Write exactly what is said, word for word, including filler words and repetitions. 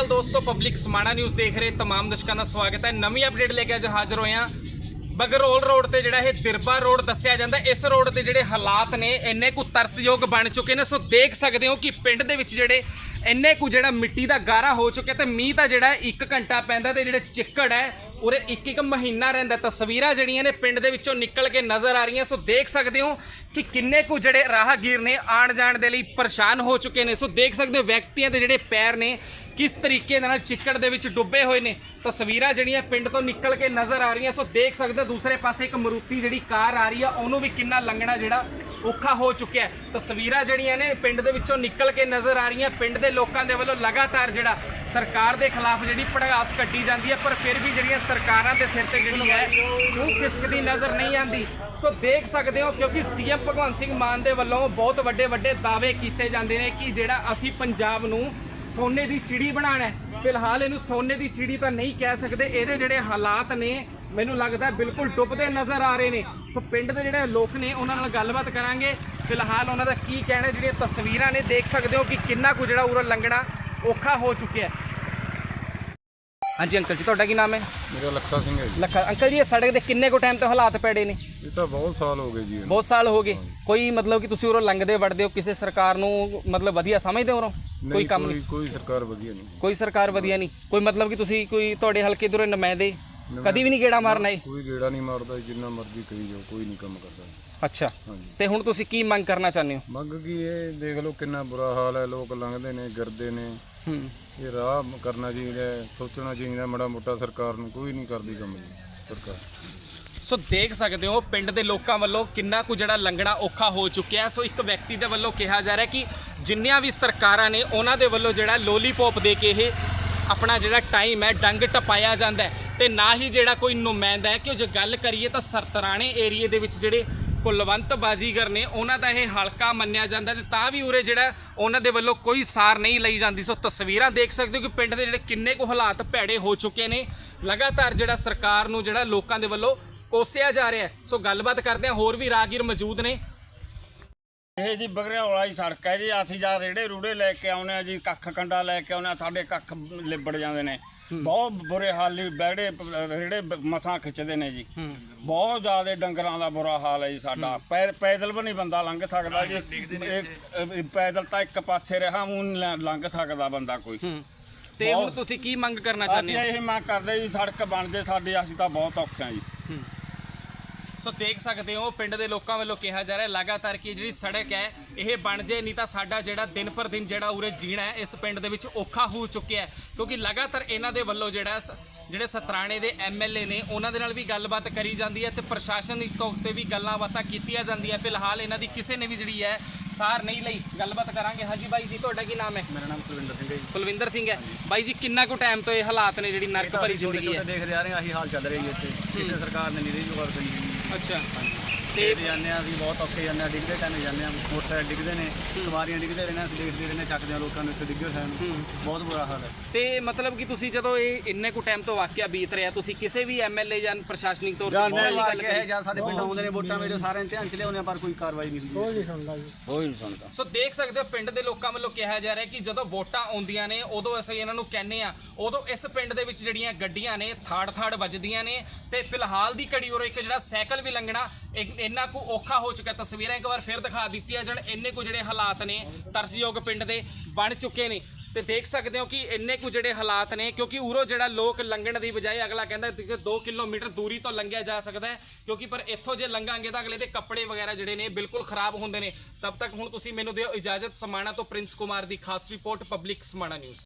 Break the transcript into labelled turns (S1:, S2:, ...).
S1: अकाल दोस्तों, public समाणा news देख रहे तमाम दर्शकों का स्वागत है। नवी अपडेट लेके अज हाजिर होए हैं। बगरौल रोड ते जिहड़ा ये दिरबा रोड दस्सिया जांदा, इस रोड के जिहड़े हालात ने इन्ने कु तरसयोग बन चुके हैं। सो देख सकते हो कि पिंड दे विच जिहड़े इन्ने कु जिहड़ा मिट्टी का गारा हो चुका है। मीह का जिहड़ा एक घंटा पैंदा ते जिहड़े चिक्कड़ है उरे एक एक महीना रहिंदा। तस्वीरां जिहड़ियां ने पिंड दे विचों निकल के नज़र आ रही हैं। सो देख सकते हो कि किन्ने कु जिहड़े राहगीर ने आण जाण दे लई परेशान हो चुके हैं। सो देख सकते हो व्यक्तियों के जिहड़े पैर ने किस तरीके नाल चिक्कड़ दे विच डुब्बे हुए ने। तस्वीरां जिहड़ियां पिंड तो निकल के नज़र आ रही हैं। सो देख सकते हो दूसरे पासे एक मरूती जिहड़ी कार आ रही है, उहनूं भी किन्ना लंघना जिहड़ा औखा हो चुका है। तस्वीरां जिहड़ियां ने पिंड दे विचों निकल के नज़र आ रही हैं। पिंड दे लोकां दे वल्लों लगातार जिहड़ा सरकार के खिलाफ जिहड़ी भड़कास कड्डी जाती है, पर फिर भी जिहड़ियां सरकारां दे सिर ते जिहड़ी है वो खिसकदी नज़र नहीं आती। सो देख सकते हो क्योंकि सी एम भगवंत सिंह मान दे वल्लों बहुत वड्डे वड्डे दावे कीते जांदे ने कि जिहड़ा असीं पंजाब नूं सोने की चिड़ी बनाना है। फिलहाल इनू सोने की चिड़ी तो नहीं कह सकते। ये जोड़े हालात ने मैनू लगता है बिल्कुल डुबते नज़र आ रहे हैं। सो पिंड के जोड़े लोग ने उन्होंने गलबात करांगे। फिलहाल उन्होंने की कहना, जी तस्वीर ने देख सकते हो कि किन्ना कुछ जो उरा लंघना औखा हो चुका है। हाँ जी अंकल जी, तुहाडा की नाम है?
S2: मेरा लखा सिंह है जी।
S1: लखा अंकल जी, ये सड़क के किन्ने को टाइम तो हालात पेड़े ने?
S2: ये तो बहुत साल हो गए जी।
S1: बहुत साल हो गए। कोई मतलब कि तुसीं उरों लंघदे वड़दे हो, किसी सरकार नूं मतलब वधिया समझदे हो? कोई काम नहीं,
S2: कोई सरकार वधिया नहीं,
S1: कोई सरकार वधिया नहीं। कोई मतलब कि तुसीं कोई तुहाडे हल्के दे नुमाइंदे कदी भी नहीं गेड़ा मारना है?
S2: कोई गेड़ा नहीं मारदा, जिन्ना मर्जी करी जाओ, कोई नहीं काम करता।
S1: अच्छा, ते हुण तुसीं की मंग करना चाहते हो?
S2: मंग की ये देख लो कितना बुरा हाल है। लोग लंघदे ने, गिरदे ने। ये राह करना चाहिए, सोचना चाहिए माड़ा मोटा। सरकार नूं कोई नहीं करदी काम सरकार।
S1: सो देख सकते हो पिंड के लोगों वालों किन्ना कुछ जिहड़ा लंघना औखा हो चुका है। सो एक व्यक्ति के वालों कहा जा रहा है कि जिन्नियां भी सरकारां ने उन्हां दे वालों जिहड़ा लोलीपॉप दे के ये अपना जिहड़ा टाइम है डंग टपाया जाता है, तो ना ही जिहड़ा कोई नुमाइंदा है। कि जो गल करिए तो सरतराणे एरिए दे विच जिहड़े कुलवंत बाजीगर ने उन्हां दा ये हल्का मन्निया जाता है, तां भी उरे जिहड़ा उन्हां दे वल्लों कोई सार नहीं लई जाती। सो तस्वीरां देख सकते हो कि पिंड दे जिहड़े किन्ने को हालात भैड़े हो चुके हैं। लगातार जिहड़ा सरकार नूं जिहड़ा लोकां दे वल्लों कोसिया जा रहा है। सो गलबात करते हैं, होर भी राहगीर मौजूद ने।
S3: ਇਹ ਜੀ ਬਗਰਿਆਲ ਵਾਲੀ ਸੜਕ ਹੈ ਜੀ। ਅਸੀਂ ਜਾਂ ਰੇੜੇ ਰੂੜੇ ਲੈ ਕੇ ਆਉਂਦੇ ਆ ਜੀ, ਕੱਖ ਕੰਡਾ ਲੈ ਕੇ ਆਉਂਦੇ ਆ, ਸਾਡੇ ਕੱਖ ਲਿਬੜ ਜਾਂਦੇ ਨੇ। ਬਹੁਤ ਬੁਰੇ ਹਾਲ ਜੀ, ਬੈੜੇ ਰੇੜੇ ਮਸਾਂ ਖਿੱਚਦੇ ਨੇ ਜੀ। ਬਹੁਤ ਜ਼ਿਆਦਾ ਡੰਗਰਾਂ ਦਾ ਬੁਰਾ ਹਾਲ ਹੈ ਜੀ ਸਾਡਾ। ਪੈ ਪੈਦਲ ਵੀ ਨਹੀਂ ਬੰਦਾ ਲੰਘ ਸਕਦਾ ਜੀ। ਇਹ ਪੈਦਲ ਤਾਂ ਇੱਕ ਪਾਸੇ ਰਿਹਾ, ਊਂ ਲੰਘ ਸਕਦਾ ਬੰਦਾ ਕੋਈ।
S1: ਤੇ ਹੁਣ ਤੁਸੀਂ ਕੀ ਮੰਗ ਕਰਨਾ ਚਾਹੁੰਦੇ ਹੋ?
S3: ਅਸੀਂ ਇਹ ਮੰਗ ਕਰਦੇ ਜੀ ਸੜਕ ਬਣ ਜੇ ਸਾਡੀ, ਅਸੀਂ ਤਾਂ ਬਹੁਤ ਔਖੇ ਆ ਜੀ।
S1: सो देख सकते हो पिंड के लोगों वालों कहा जा रहा है लगातार कि जी सड़क है ये बन जाए, नहीं तो साडा जिहड़ा दिन पर दिन जिहड़ा उरे जीना है इस पिंड दे विच औखा हो चुका है। क्योंकि लगातार इन्हां दे वल्लों जिहड़ा जिहड़े सतराणे दे एम एल ए ने उन्हां दे नाल भी गलबात करी जाती है, तो प्रशासन की तौर पर भी गल्लां बातां कीतियां जांदियां। फिलहाल इन्हां दी किसी ने भी जिहड़ी है सार नहीं लई। गलबात करांगे। हाँ जी बाई जी, तुहाडा की नाम है?
S4: मेरा नाम कुलविंदर सिंह है जी।
S1: कुलविंदर सिंह है। बाई जी, किन्ना को टाइम तो ये हालात ने जिहड़ी नरक भरी जिंदगी है
S4: देखते आ रहे हैं, आही हाल चल रही है इत्थे। किसी सरकार ने नहीं रही गौर करी।
S1: अच्छा,
S4: ਤੇ ਜਾਂਦੇ ਆ ਅਸੀਂ ਬਹੁਤ ਔਖੇ ਜਾਂਦੇ ਆ, ਡਿੱਗਦੇ ਟਾਈਮ ਜਾਂਦੇ ਆ, ਮੋਟਰਸਾਈਕਲ ਡਿੱਗਦੇ ਨੇ, ਸਵਾਰੀਆਂ ਡਿੱਗਦੇ ਰਹਿੰਦੇ, ਅਸੀਂ ਦੇਖਦੇ ਰਹਿੰਦੇ, ਚੱਕਦੇ ਆ ਲੋਕਾਂ ਨੂੰ ਇੱਥੇ ਡਿੱਗੇ ਹੋਏ ਨੂੰ। ਬਹੁਤ ਬੁਰਾ ਹਾਲ ਹੈ।
S1: ਤੇ ਮਤਲਬ ਕਿ ਤੁਸੀਂ ਜਦੋਂ ਇਹ ਇੰਨੇ ਕੁ ਟਾਈਮ ਤੋਂ ਵਾਕਿਆ ਬੀਤ ਰਿਹਾ, ਤੁਸੀਂ ਕਿਸੇ ਵੀ ਐਮਐਲਏ ਜਾਂ ਪ੍ਰਸ਼ਾਸਨਿਕ ਤੌਰ ਤੇ
S4: ਗੱਲ ਕਹੇ ਜਾਂ ਸਾਡੇ ਪਿੰਡ ਆਉਂਦੇ ਨੇ ਵੋਟਾਂ ਵੇਲੇ ਸਾਰਿਆਂ ਧਿਆਨ ਚ ਲਿਆਉਂਦੇ ਆ, ਪਰ ਕੋਈ ਕਾਰਵਾਈ ਨਹੀਂ ਹੁੰਦੀ। ਕੋਈ ਨਹੀਂ ਸੁਣਦਾ ਜੀ, ਕੋਈ ਨਹੀਂ ਸੁਣਦਾ।
S1: ਸੋ ਦੇਖ ਸਕਦੇ ਹੋ ਪਿੰਡ ਦੇ ਲੋਕਾਂ ਵੱਲੋਂ ਕਿਹਾ ਜਾ ਰਿਹਾ ਕਿ ਜਦੋਂ ਵੋਟਾਂ ਆਉਂਦੀਆਂ ਨੇ ਉਦੋਂ ਅਸੀਂ ਇਹਨਾਂ ਨੂੰ ਕਹਿੰਦੇ ਆ, ਉਦੋਂ ਇਸ ਪਿੰਡ ਦੇ ਵਿੱਚ ਜਿਹੜੀਆਂ ਗੱਡੀਆਂ ਨੇ ਥਾੜ ਥਾੜ ਵੱਜਦੀਆਂ ਨੇ। ਤੇ ਫਿਲਹਾਲ ਦੀ ਘੜੀ ਉਰੋਂ ਇੱਕ ਜਿਹੜਾ ਸਾਈਕਲ ਵੀ ਲੰਘਣਾ ਇੰਨਾ ਕੁ ਔਖਾ ਹੋ ਚੁੱਕਾ। ਤਸਵੀਰਾਂ ਇੱਕ ਵਾਰ ਫਿਰ ਦਿਖਾ ਦਿੱਤੀਆਂ ਜਾਣ। ਇੰਨੇ ਕੁ ਜਿਹੜੇ ਹਾਲਾਤ ਨੇ ਤਰਸਯੋਗ ਪਿੰਡ ਦੇ ਬਣ ਚੁੱਕੇ ਨੇ। ਤੇ ਦੇਖ ਸਕਦੇ ਹੋ ਕਿ ਇੰਨੇ ਕੁ ਜਿਹੜੇ ਹਾਲਾਤ ਨੇ, ਕਿਉਂਕਿ ਉਰੋਂ ਜਿਹੜਾ ਲੋਕ ਲੰਘਣ ਦੀ ਬਜਾਏ ਅਗਲਾ ਕਹਿੰਦਾ ਕਿ ਦੋ ਕਿਲੋਮੀਟਰ ਦੂਰੀ ਤੋਂ ਲੰਘਿਆ ਜਾ ਸਕਦਾ ਹੈ, ਕਿਉਂਕਿ ਪਰ ਇੱਥੋਂ ਜੇ ਲੰਘਾਂਗੇ ਤਾਂ ਅਗਲੇ ਦੇ ਕੱਪੜੇ ਵਗੈਰਾ ਜਿਹੜੇ ਨੇ ਬਿਲਕੁਲ ਖਰਾਬ ਹੁੰਦੇ ਨੇ। ਤਬ ਤੱਕ ਹੁਣ ਤੁਸੀਂ ਮੈਨੂੰ ਦਿਓ ਇਜਾਜ਼ਤ। ਸਮਾਣਾ ਤੋਂ ਪ੍ਰਿੰਸ ਕੁਮਾਰ ਦੀ ਖਾਸ ਰਿਪੋਰਟ, ਪਬਲਿਕ ਸਮਾਣਾ ਨਿਊਜ਼।